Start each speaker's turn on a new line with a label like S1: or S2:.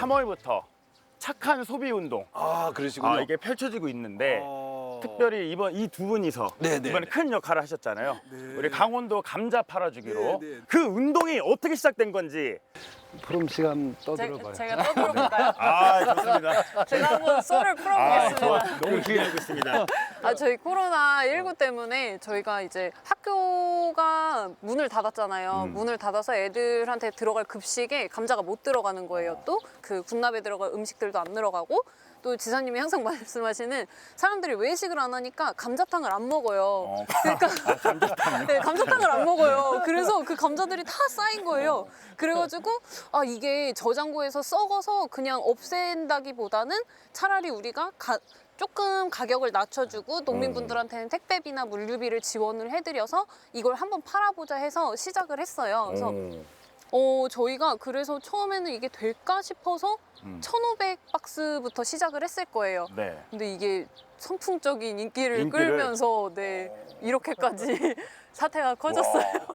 S1: 3월부터 착한 소비 운동
S2: 그러시군요.
S1: 이게 펼쳐지고 있는데 특별히 이번 이 두 분이서
S2: 네네.
S1: 이번에 큰 역할을 하셨잖아요. 우리 강원도 감자 팔아주기로
S2: 네네.
S1: 그 운동이 어떻게 시작된 건지.
S3: 푸름 시간 떠들어봐요.
S4: 제가 떠들어볼까요?
S1: 좋습니다.
S4: 제가 한번 썰을 풀어보겠습니다.
S1: 너무 기대하고 있습니다.
S4: 저희 코로나19 때문에 저희가 이제 학교가 문을 닫았잖아요. 문을 닫아서 애들한테 들어갈 급식에 감자가 못 들어가는 거예요. 또 그 군납에 들어갈 음식들도 안 들어가고, 또 지사님이 항상 말씀하시는 사람들이 외식을 안 하니까 감자탕을 안 먹어요. 그러니까 네, 감자탕을 안 먹어요. 그래서 그 감자들이 다 쌓인 거예요. 그래가지고 이게 저장고에서 썩어서 그냥 없앤다기보다는 차라리 우리가 조금 가격을 낮춰주고 농민분들한테는 택배비나 물류비를 지원을 해드려서 이걸 한번 팔아보자 해서 시작을 했어요. 그래서 저희가 그래서 처음에는 이게 될까 싶어서 1,500박스부터 시작을 했을 거예요.
S1: 네.
S4: 근데 이게 선풍적인 인기를 끌면서 이렇게까지 사태가 커졌어요.